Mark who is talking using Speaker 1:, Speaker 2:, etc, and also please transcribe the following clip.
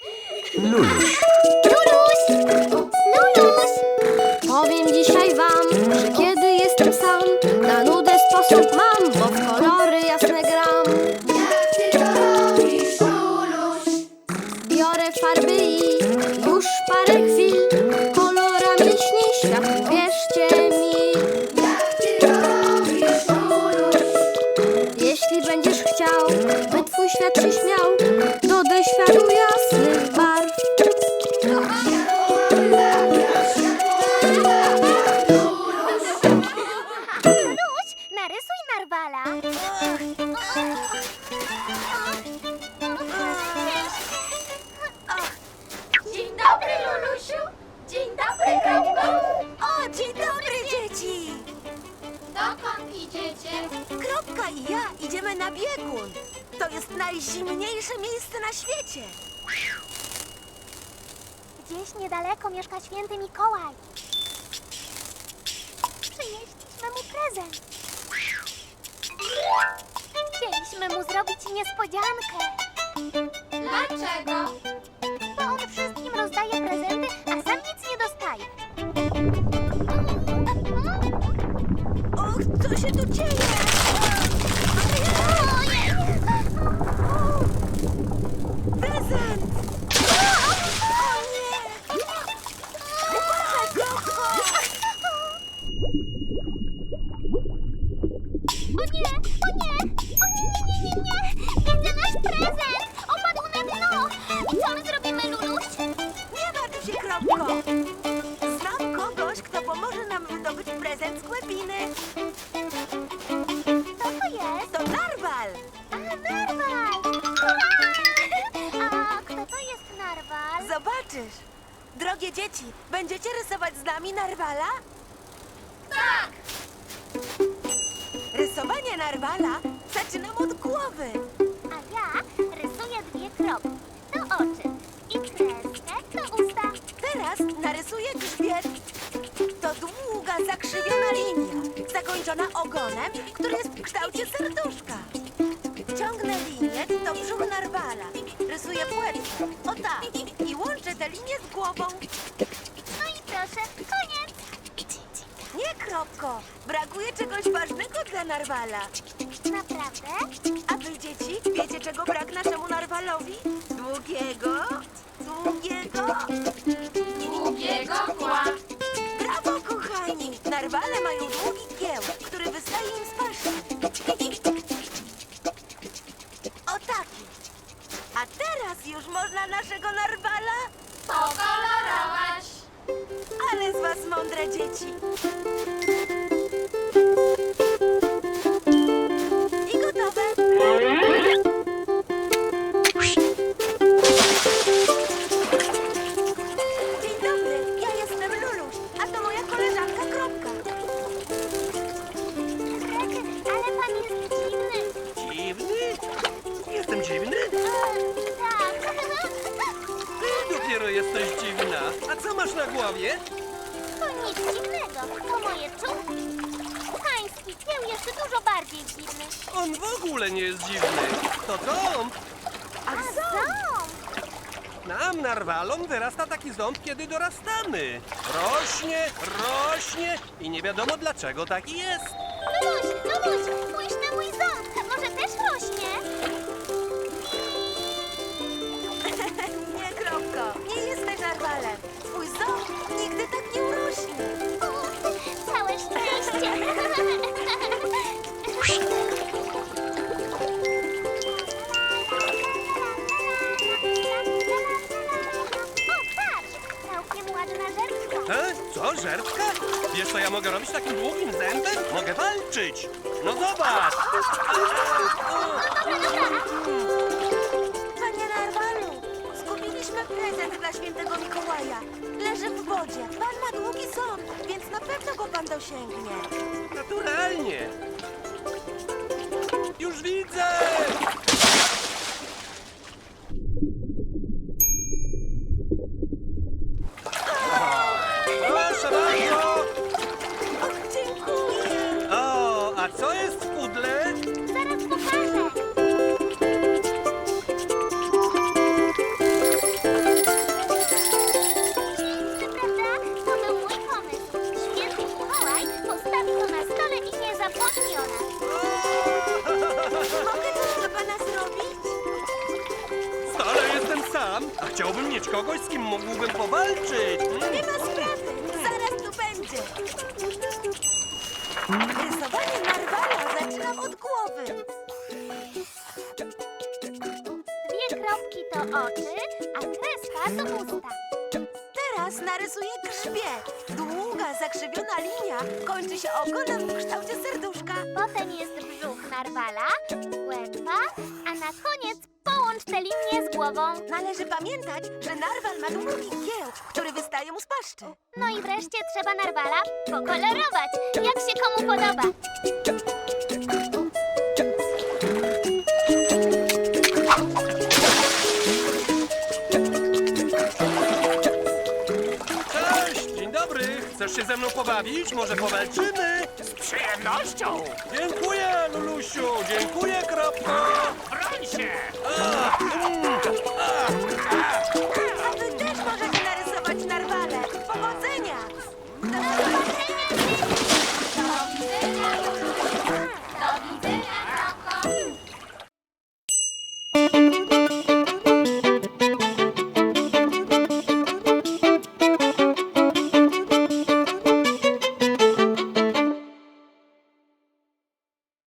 Speaker 1: Luluś.
Speaker 2: Luluś! Luluś! Powiem dzisiaj wam, że kiedy jestem sam, na nudę sposób mam, bo w kolory jasne gram.
Speaker 3: Jak ty to robisz, Luluś?
Speaker 2: Biorę farby i już parę chwil kolorami śni świat, wierzcie mi.
Speaker 3: Jak ty to robisz, Luluś?
Speaker 2: Jeśli będziesz chciał, by twój świat się śmiał, dodaj światu jasnych barw.
Speaker 4: Luluś, narysuj narwala.
Speaker 3: Dzień dobry, Lulusiu. Dzień dobry, Kropko.
Speaker 4: O, dzień dobry, dzieci!
Speaker 3: Dokąd idziecie?
Speaker 4: Kropka i ja idziemy na biegun. To jest najzimniejsze miejsce na świecie.
Speaker 5: Gdzieś niedaleko mieszka święty Mikołaj. Przynieśliśmy mu prezent. Chcieliśmy mu zrobić niespodziankę,
Speaker 3: Dlaczego?
Speaker 5: bo on wszystkim rozdaje prezenty, a sam nic nie dostaje.
Speaker 4: Och, co się tu dzieje? Prezent! O nie! Uważaj, Kropko!
Speaker 5: O nie, o nie, o nie, nie, nie, nie, nie. Widzę nasz prezent. Opadł na dno. I co my zrobimy, Luluś?
Speaker 4: Nie martw się, Kropko! Znam kogoś, kto pomoże nam wydobyć prezent z głębiny.
Speaker 5: Co to jest?
Speaker 4: To narwal!
Speaker 5: A, narwal! Hurra! A kto to jest narwal?
Speaker 4: Zobaczysz! Drogie dzieci, będziecie rysować z nami narwala?
Speaker 3: Tak!
Speaker 4: Rysowanie narwala zaczynam od głowy.
Speaker 5: A ja rysuję dwie kropki. To oczy. I kreskę to usta.
Speaker 4: Teraz narysuję grzbiet. To długa, zakrzywiona linia, zakończona ogonem, który jest w kształcie serduszka. Ciągnę linię, to brzuch narwala. Rysuję płetwę, o tak, i łączę tę linię z głową.
Speaker 5: No i proszę, koniec.
Speaker 4: Nie, Kropko, brakuje czegoś ważnego dla narwala.
Speaker 5: Naprawdę?
Speaker 4: A wy, dzieci, wiecie, czego brak naszemu narwalowi? Długiego,
Speaker 3: Długiego kła.
Speaker 4: Brawo, kochani! Narwale mają długi kieł, który wystaje im z paszczy. O taki. A teraz już można naszego narwala?
Speaker 3: Pokolorować.
Speaker 4: Ale z was mądre dzieci. I gotowe. Dzień dobry, ja jestem Luluś, a to moja koleżanka Kropka.
Speaker 5: Rety, ale pan jest dziwny.
Speaker 1: Dziwny? Jestem dziwny?
Speaker 5: Tak.
Speaker 1: Ty dopiero jesteś dziwna. A co masz na głowie?
Speaker 5: To nic dziwnego. To moje czubki. Pański kieł jeszcze dużo bardziej dziwny.
Speaker 1: On w ogóle nie jest dziwny. To ząb.
Speaker 4: A
Speaker 5: A
Speaker 4: co?
Speaker 5: ząb!
Speaker 1: Nam, narwalom, wyrasta taki ząb, kiedy dorastamy. Rośnie i nie wiadomo dlaczego taki jest.
Speaker 5: Luluś, spójrz na mój ząb. Może też rośnie?
Speaker 4: Nie, Kropko, nie jesteś narwalem. Twój ząb nigdy tak nie urośnie.
Speaker 5: Całe szczęście. O, patrz! Całkiem ładna żerczka.
Speaker 1: Co, żerwka? Wiesz, co ja mogę robić takim długim zębem? Mogę walczyć. No zobacz.
Speaker 4: Panie narwalu, zgubiliśmy prezent dla świętego Mikołaja. Leży w wodzie. Pan ma długi ząb, więc na pewno go pan dosięgnie.
Speaker 1: Naturalnie. Już widzę. Proszę bardzo.
Speaker 4: Och, dziękuję.
Speaker 1: O, a co jest w pudle?
Speaker 5: Zaraz pokażę.
Speaker 1: sam, a chciałbym mieć kogoś, z kim mógłbym powalczyć.
Speaker 4: Nie ma sprawy, zaraz tu będzie. Rysowanie narwala zaczynam od głowy.
Speaker 5: 2 kropki to oczy, a kreska to usta.
Speaker 4: Teraz narysuję grzbiet. Długa, zakrzywiona linia kończy się ogonem w kształcie serduszka.
Speaker 5: Potem jest brzuch narwala, łępa, a na koniec połącz te linie z głową.
Speaker 4: Należy pamiętać, że narwal ma długi kieł, który wystaje mu z paszczy.
Speaker 5: No i wreszcie trzeba narwala pokolorować, jak się komu podoba.
Speaker 1: Cześć, dzień dobry. Chcesz się ze mną pobawić? Może powalczymy?
Speaker 6: Z przyjemnością!
Speaker 1: Dziękuję, Lulusiu. Dziękuję, kropko.
Speaker 6: Broń się!
Speaker 1: A,